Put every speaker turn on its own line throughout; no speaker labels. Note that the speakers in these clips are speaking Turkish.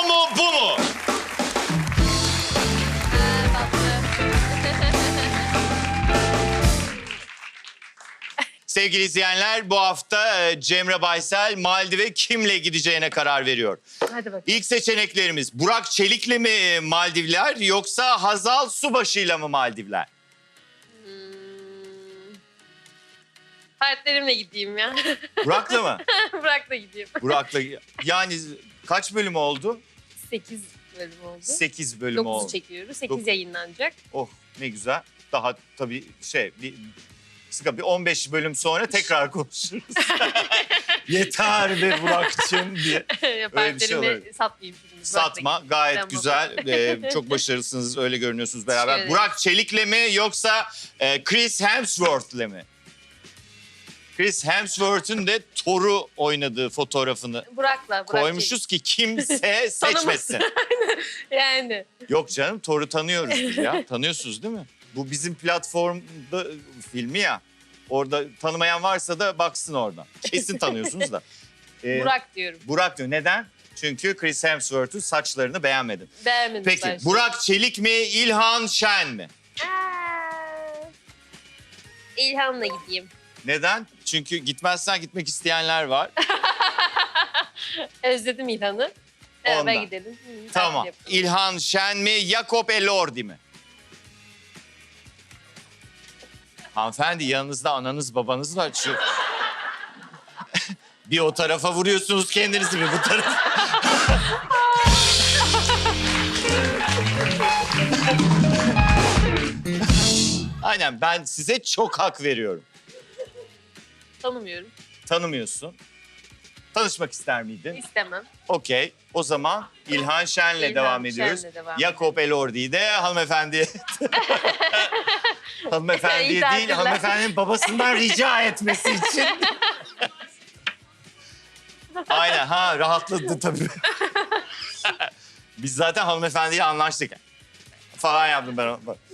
mu bu mu? Sevgili izleyenler, bu hafta Cemre Baysel Maldiv'e kimle gideceğine karar veriyor.
Hadi bakalım.
İlk seçeneklerimiz Burak Çelik'le mi Maldivler yoksa Hazal Subaşı'yla mı Maldivler?
Partnerimle gideyim ya.
Burak'la mı?
Burak'la gideyim.
Burak'la. Yani kaç bölüm oldu?
8 bölüm oldu.
8 bölüm
9'u
oldu.
çekiyoruz. 8
Dokuz.
yayınlanacak.
Oh ne güzel. Daha tabii bir 15 bölüm sonra tekrar konuşuruz. Yeter be Burak'cığım diye.
Partnerimi
olabilir.
satmayayım şimdi.
Satma, gayet
Tamam.
güzel. Çok başarılısınız, öyle görünüyorsunuz beraber.
Teşekkür ederim.
Burak Çelik'le mi yoksa Chris Hemsworth'le mi? Chris Hemsworth'un de Thor'u oynadığı fotoğrafını
Burak
koymuşuz ki kimse seçmesin.
Yani.
Yok canım, Thor'u tanıyoruz biz ya. Tanıyorsunuz değil mi? Bu bizim platformda filmi ya. Orada tanımayan varsa da baksın oradan. Kesin tanıyorsunuz da.
Burak diyorum.
Burak diyor. Neden? Çünkü Chris Hemsworth'un saçlarını beğenmedin.
Beğenmedim
Peki
ben.
Burak Çelik mi, İlhan Şen mi?
İlhan'la gideyim.
Neden? Çünkü gitmezsen gitmek isteyenler var.
Özledim İlhan'ı.
Ondan.
Beraber gidelim.
Tamam.
Tatil yapalım.
İlhan Şen mi, Jakob Elordi mi? Hanımefendi yanınızda ananız babanız var. Şu... bir o tarafa vuruyorsunuz kendinizi, bir bu tarafa. Aynen, ben size çok hak veriyorum.
Tanımıyorum.
Tanımıyorsun. Tanışmak ister miydin?
İstemem.
Okey. O zaman İlhan Şen'le
İlhan
devam
Şen'le
ediyoruz.
devam
Jakob Elordi'yi de hanımefendiye... hanımefendiye
İyi
değil,
tatiller.
hanımefendinin babasından rica etmesi için. Aynen, ha rahatladı tabii. Biz zaten hanımefendiyle anlaştık. Falan yaptım ben.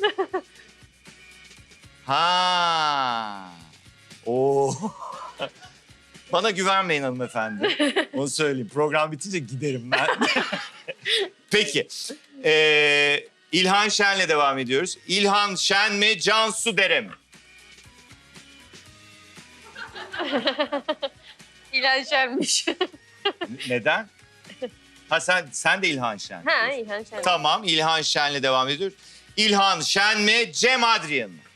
Ha. Oo. Bana güvenmeyin hanımefendi. Onu söyleyeyim. Program bitince giderim ben. Peki. İlhan Şen'le devam ediyoruz. İlhan Şen mi, Cansu Dere mi?
İlhan Şen'miş.
Neden? Ha sen de İlhan Şen.
Ha İlhan Şen.
Tamam, İlhan Şen'le devam ediyoruz. İlhan Şen mi, Cem Adrian mı?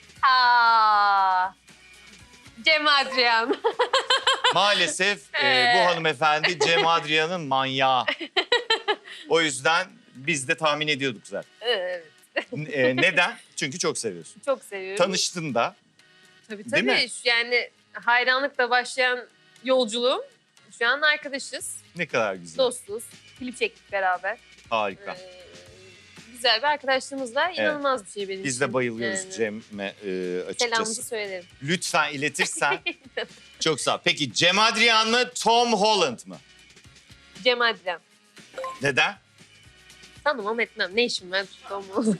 Cem Adrian.
Maalesef bu hanımefendi Cem Adrian'ın manyağı. O yüzden biz de tahmin ediyorduk zaten.
Evet.
Neden? Çünkü çok seviyorsun.
Çok seviyorum.
Tanıştın da.
Tabii
Değil mi?
Yani hayranlıkla başlayan yolculuğum. Şu an arkadaşız.
Ne kadar güzel.
Dostuz. Klip çektik beraber.
Harika.
Güzel bir arkadaşlığımız var. İnanılmaz bir şey benim
Biz
için.
de bayılıyoruz
Yani.
Cem'e
Selamımızı
açıkçası.
söylerim.
Lütfen iletirsen. Çok sağ ol. Peki Cem Adrian mı, Tom Holland mı?
Cem Adrian.
Neden?
Tanımam etmem. Ne işim var tutamam.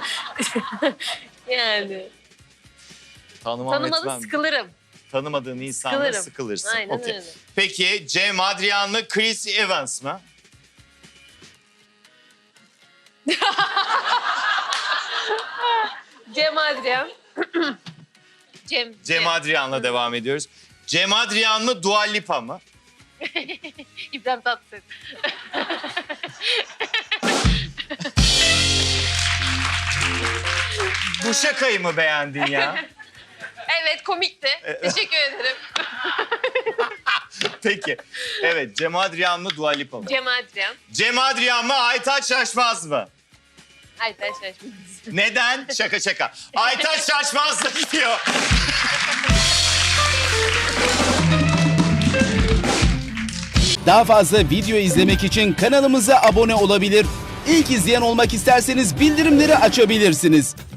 Yani. Tanımalı
etmem.
sıkılırım.
Tanımadığın insanla
Sıkılırım.
sıkılırsın.
Aynen
Okey.
öyle.
Peki Cem Adrian mı, Chris Evans mı?
Cem Adrian.
Cem Adrian'la devam ediyoruz. Cem Adrian mı, Dua Lipa mı?
İbrahim Tatlıses.
Bu şakayı mı beğendin ya?
Evet komikti. Teşekkür ederim.
Peki. Evet, Cem Adrian mı, Dua Lipa mı?
Cem Adrian.
Cem Adrian mı, Aytaç Şaşmaz mı?
Ay ben şaşmadım.
Neden? Şaka. Aytaç Şaşmaz da gidiyor.
Daha fazla video izlemek için kanalımıza abone olabilir. İlk izleyen olmak isterseniz bildirimleri açabilirsiniz.